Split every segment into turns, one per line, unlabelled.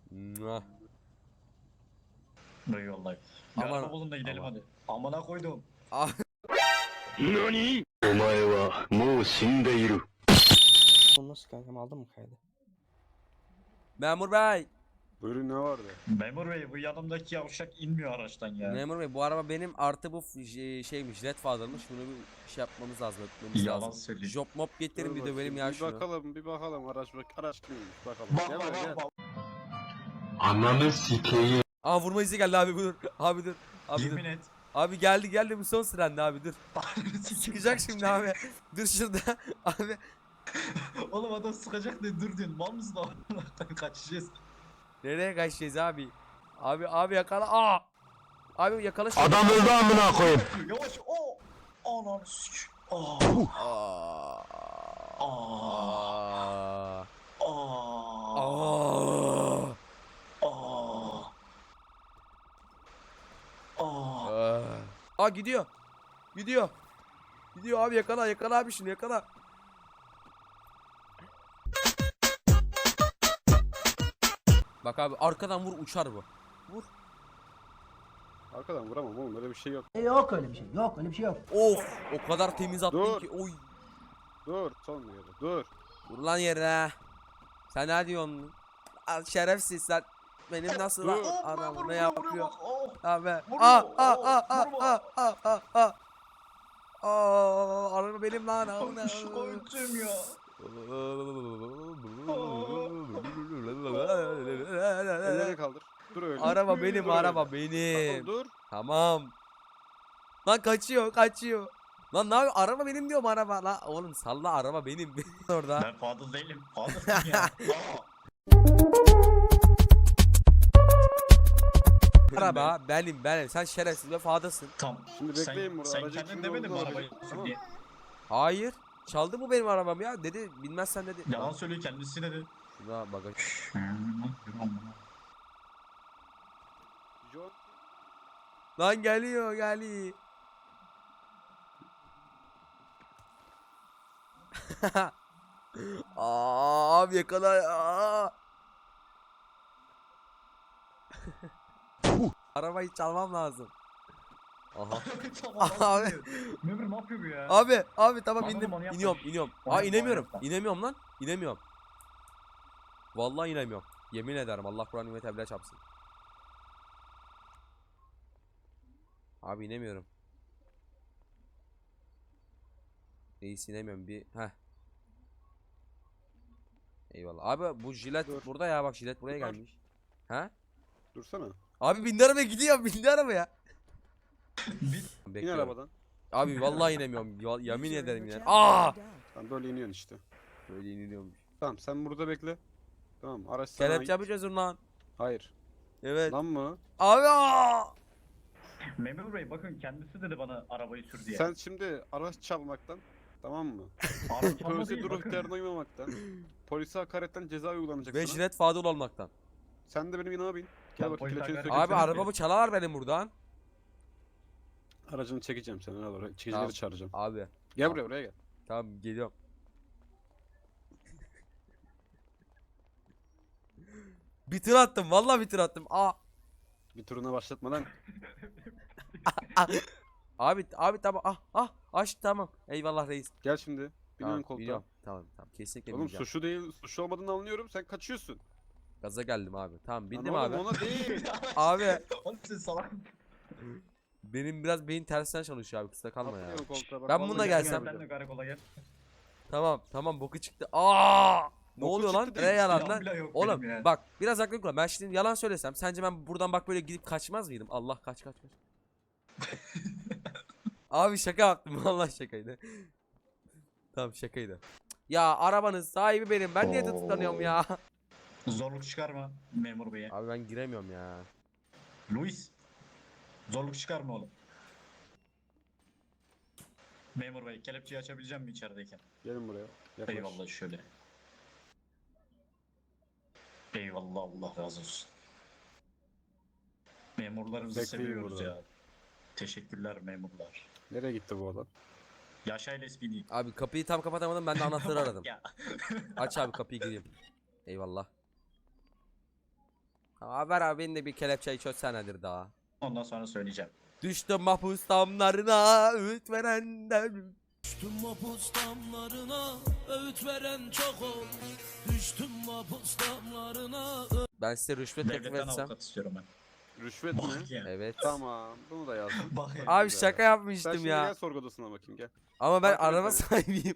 Mua.
Eyvallah. Bir
Aman-
araba bulun da gidelim
aman.
hadi. Amına koydum.
Ah,
何お前はもう死んでいる。
bunu nasıl kankam aldın mı kaydı? Memur bey.
Buyurun, ne vardı?
Memur bey bu yanımdaki yavşak inmiyor araçtan ya.
Memur bey bu araba benim artı bu şeymiş red fazlamış. Bunu bir şey yapmamız lazım, öpmemiz
Yalan
lazım.
söylüyor.
Job mob getirin
Dur
bir de benim
bakayım,
ya
bir
şunu.
bakalım araç kimmiş bakalım.
Bak
Gel
bak
buraya,
bak
gel.
bak.
Ananı sikeyim.
Aa vurma izi geldi abi dur. Abi dur. Abi dur.
Yemin et.
Abi geldi bu son sıranda abi dur. Sıkacak şimdi abi. Dur şurada. Abi.
Oğlum adam sıkacak diye dur diyorsun. Mal mısın oğlum? Kaçacağız.
Nereye kaçacağız abi? Abi yakala. Aa. Abi yakala şunu.
Adam öldü amına koyayım.
Yavaş. O. Ananı sik. Aa.
Aa.
Aa.
Aa.
Aa.
Aa.
Aa.
Aa. Aa gidiyor. Gidiyor abi yakala abi şunu yakala. Bak abi arkadan vur uçar bu. Vur.
Arkadan vuramam oğlum, öyle bir şey yok.
Yok öyle bir şey. Yok öyle bir şey yok.
Of o kadar temiz attın
Dur.
ki. Oy.
Dur, son yere, dur.
Dur lan yere. Sen ne diyorsun? Al şerefsiz sen. Benim nasıl
Dur.
anamı ne yapıyor?
Oh.
Abi.
Vurma,
Aa. Araba benim lan.
Koydum ya.
Elleri kaldır. Dur öyle.
Araba benim,
Dur
araba
öyle.
benim.
Tamam, dur.
Tamam. Lan kaçıyor. Lan ne yapıyor? Araba benim diyorum araba. Lan oğlum salla araba benim. Orada.
Ben Fadıl değilim. Fadıl'ım ya. Aa.
Araba benim. Sen şerefsiz ve fadasın.
Tamam.
Şimdi bekleyin burada,
Sen
aracın
kendin
kimin
demedin mi
olduğunu
arabayı
arayın,
sür
tamam.
diye?
Hayır. Çaldı bu benim arabam ya. Dedi bilmezsen dedi.
Yalan söylüyor kendisi dedi.
Şuna bagaj.
John,
Lan geliyor. Abi yakala. Aa. Arabayı çalmam lazım. Aha. Abi.
Memur ne yapıyor bu ya?
Abi tamam
Anladım,
indim.
onu yapma.
İniyorum.
Onu
Aa
yapma,
inemiyorum.
onu yapma.
İnemiyorum lan. İnemiyorum. Vallahi inemiyorum. Yemin ederim Allah Kur'an ve Teala çarpsın. Abi inemiyorum. Reis inemiyorum bir. Heh. Eyvallah. Abi bu jilet
Dur.
burada ya bak jilet buraya
Dur.
gelmiş. Ha?
dursana.
Abi bindi arabaya gidiyor bindi arabaya.
İn
Bekliyorum.
arabadan.
Abi vallahi inemiyorum. Yemin ederim iner. Aa!
Tamam, böyle iniyorsun işte.
Böyle iniliyormuş.
Tamam, sen burada bekle. Tamam, araç sana
Kelepçe
ait.
yapacağız lan.
Hayır.
Evet.
Lan mı?
Abi aa!
Memur bey bakın kendisi dedi bana arabayı sür diye.
Sen şimdi araç çalmaktan, tamam mı?
Araba çalma
Polise
değil
dur
bakın.
ihtiyarına uymamaktan, polise hakaretten ceza uygulanacak
Ve
sana.
jilet fadıl olmaktan.
Sen de benim yanıma bin. Gel
Lan
bakayım,
polis
kelepçeni
hakaret-
sökeyim
Abi
senin.
arabamı çalarlar benim buradan.
Aracını çekeceğim seni, al oraya. Çekicileri
Tamam.
çağıracağım.
Abi.
Gel buraya gel.
Tamam geliyorum. Bir tır attım vallahi bir tır attım. Aa.
Bir turuna başlatmadan
Abi tamam aç tamam. Eyvallah reis.
gel şimdi. Bin
Tamam,
ön koltuğa.
biliyorum. Tamam kesinlikle
Oğlum
bineceğim.
suçlu değil, suçlu olmadığını anlıyorum. Sen kaçıyorsun.
Gaza geldim abi. Tamam bindim
Lan
abi.
oğlum, ona değil.
Abi
Oğlum sen salak.
benim biraz beyin tersinden çalışıyor abi kusura kalma ya.
Atlayalım koltuğa, bak,
Ben
vallahi
bununla
gel
gelsem-
buraya.
Sen de karakola gel.
Tamam boku çıktı. Aa! Ne
Boku
oluyor lan?
çıktı
Ne
değil,
yalan
silahım
lan?
bile yok
Oğlum
benim ya.
bak biraz aklım kullan. Ben şimdi yalan söylesem sence ben buradan bak böyle gidip kaçmaz mıydım? Allah kaç. Abi şaka yaptım vallahi şakaydı. Tamam şakaydı. Ya arabanın sahibi benim. Ben niye tutuklanıyorum ya?
Zorluk çıkarma memur beye.
Abi ben giremiyorum ya.
Luis. Zorluk çıkarma oğlum. Memur bey kelepçeyi açabileceğim mi içerideyken?
Gelin buraya. Yaklaş.
Eyvallah şöyle. Eyvallah Allah razı olsun. Memurlarımızı
Bekleyin
seviyoruz
burada.
ya. Teşekkürler memurlar.
Nereye gitti bu adam?
Yaşayla espini.
Abi kapıyı tam kapatamadım ben de anahtarı aradım.
Ya.
Aç abi kapıyı gireyim. Eyvallah. Tamam ver abi, beni de bir kelepçeyi çözsenedir daha.
Ondan sonra söyleyeceğim.
Düştüm mahpus damlarına, öğüt verenden.
Düştüm mapus damlarına, öğüt veren çok ol. Düştüm mapus damlarına.
Ben size rüşvet teklif
Devletten
etsem.
avukat istiyorum ben.
Rüşvet mi?
Bak ya.
Evet.
Tamam. Bunu da yazdım.
Bak ya.
Abi
Güzel.
şaka
Sen
yapmıştım
şimdi
ya.
gel sorgu odasına bakayım gel.
Ama ben
Takip et
araba
beni.
sahibiyim.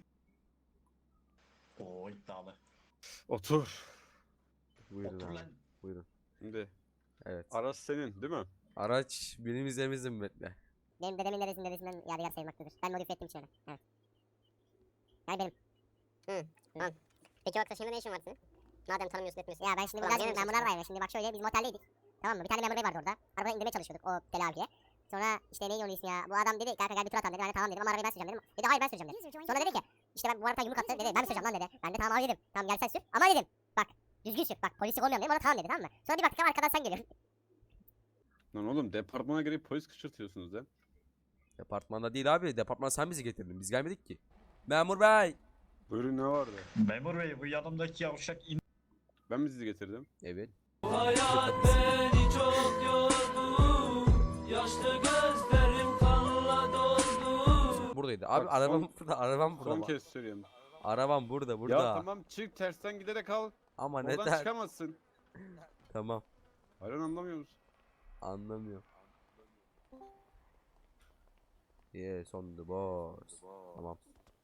Oo iddialı.
Otur.
Buyurun
Otur
abi.
lan.
Buyurun.
Şimdi
Evet.
araç senin değil mi?
Araç benim üzerimizde mi Bekle?
Benim dedemin dedesinden yadigar sayılmaktadır. Ben modifiye ettim şöyle. Evet. Yani benim. Tamam. Peki o arkadaşında ne işin var senin? Madem tanımıyorsun etmiyorsun. Ya ben şimdi burada memurlar var ya. Şimdi bak şöyle biz moteldeydik. Tamam mı? Bir tane memur bey vardı orada. Arabadan indirmeye çalışıyorduk o deli abiye. Sonra işte neydi onun ismi ya. Bu adam dedi kanka gel bir tur atalım dedi. Ben de tamam dedim ama arabayı ben süreceğim dedim. Dedi hayır ben süreceğim dedi. Sonra dedi ki işte ben bu arada yumruk attı dedi. Ben mi süreceğim lan dedi. Ben de tamam abi dedim. Tamam gel sen sür. Ama dedim bak düzgün sür. Bak polislik olmuyorum dedim. Ona tamam dedi tamam mı? Sonra bir baktık arkadan sen geliyorsun.
Lan oğlum departmana girip polis kışırtıyorsunuz lan.
Departmanda değil abi. Departmana sen bizi getirdin. Biz gelmedik ki. Memur bey.
Buyurun ne vardı?
Memur bey bu yanımdaki yavşak in.
Ben mi sizi getirdim?
Evet.
Hayat beni çok yordu. Yaşlı gözlerim kanla doldu.
Buradaydı. Abi
Bak,
arabam burada. Arabam burada.
Son
bak.
kez söylüyorum.
Arabam burada. Burada.
Ya tamam çık tersten giderek al.
Ama
Oradan
neden?
çıkamazsın.
Tamam.
Hayır anlamıyor musun?
Anlamıyorum. Yes on the boss. Tamam.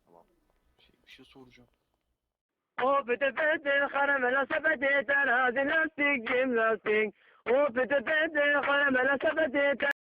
O pete pete karamela sepeti terazi lastik cim lastik. O pete pete karamela sepeti